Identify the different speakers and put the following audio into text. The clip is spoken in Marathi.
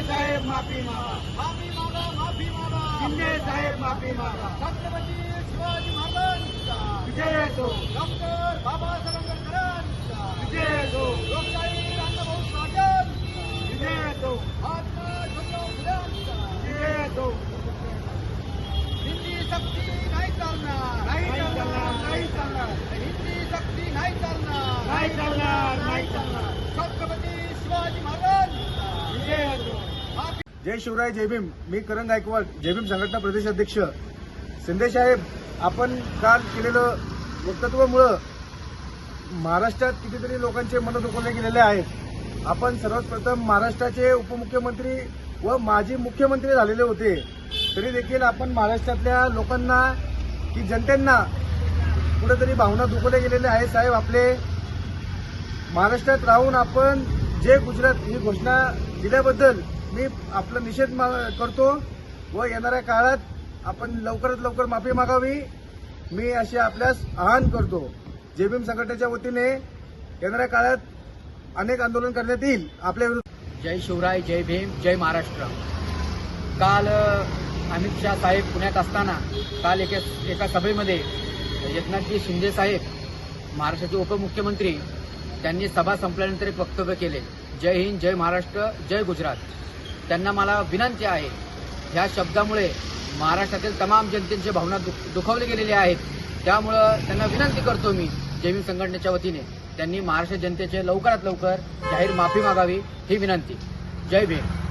Speaker 1: साहेब माफी मागा,
Speaker 2: माफी मागा, माफी मागा.
Speaker 1: शिंदे साहेब माफी मागा.
Speaker 2: छत्रपती शिवाजी महाराजांचा
Speaker 1: विजय असो,
Speaker 2: डॉक्टर बाबासाहेब आंबेडकरांचा
Speaker 1: विजय असो,
Speaker 2: लोकशाही अण्णाभाऊ साठेंचा
Speaker 1: विजय असो,
Speaker 2: महात्मा ज्योतिराव फुल्यांचा
Speaker 1: विजय असो.
Speaker 2: हिंदी सक्ती नाही चालणार,
Speaker 1: नाही चालणार, नाही चालणार,
Speaker 2: हिंदी सक्ती नाही चालणार,
Speaker 1: नाही चालणार, नाही चालणार.
Speaker 2: छत्रपती शिवाजी महाराजांचा
Speaker 1: विजय असो.
Speaker 2: माफी.
Speaker 3: जय शिवराय, जय भीम. मी करण गायकवाड, जय भीम संघटना प्रदेश अध्यक्ष. शिंदे साहेब, आपण काल केलेलं वक्तव्यामुळं महाराष्ट्रात कितीतरी लोकांचे मन दुखवले गेलेले आहेत. आपण सर्वात प्रथम महाराष्ट्राचे उपमुख्यमंत्री व माजी मुख्यमंत्री झालेले होते, तरी देखील आपण महाराष्ट्रातल्या लोकांना की जनतेंना कुठेतरी भावना दुखवल्या गेलेल्या आहेत. साहेब, आपले महाराष्ट्रात राहून आपण जय गुजरात ही घोषणा दिल्याबद्दल मी आपला निषेध करतो व येणाऱ्या काळात आपण लवकरात लवकर माफी मागावी, मी असे आपल्यास आवाहन करतो. जय भीम संघटनेच्या वतीने येणाऱ्या काळात अनेक आंदोलन करण्यात येईल आपल्या विरुद्ध.
Speaker 4: जय शिवराय, जय भीम, जय महाराष्ट्र. काल अमित शाह साहेब पुण्यात असताना काल एका सभेमध्ये एकनाथजी शिंदे साहेब, महाराष्ट्राचे उपमुख्यमंत्री, त्यांनी सभा संपल्यानंतर एक वक्तव्य केले, जय हिंद, जय महाराष्ट्र, जय गुजरात. त्यांना मला विनंती आहे, ह्या शब्दामुळे महाराष्ट्रातील तमाम जनतेची भावना दुखावली गेलेली आहेत. त्यामुळं त्यांना विनंती करतो मी जय भीम संघटनेच्या वतीने, त्यांनी महाराष्ट्र जनतेचे लवकरात लवकर जाहीर माफी मागावी ही विनंती. जय भीम.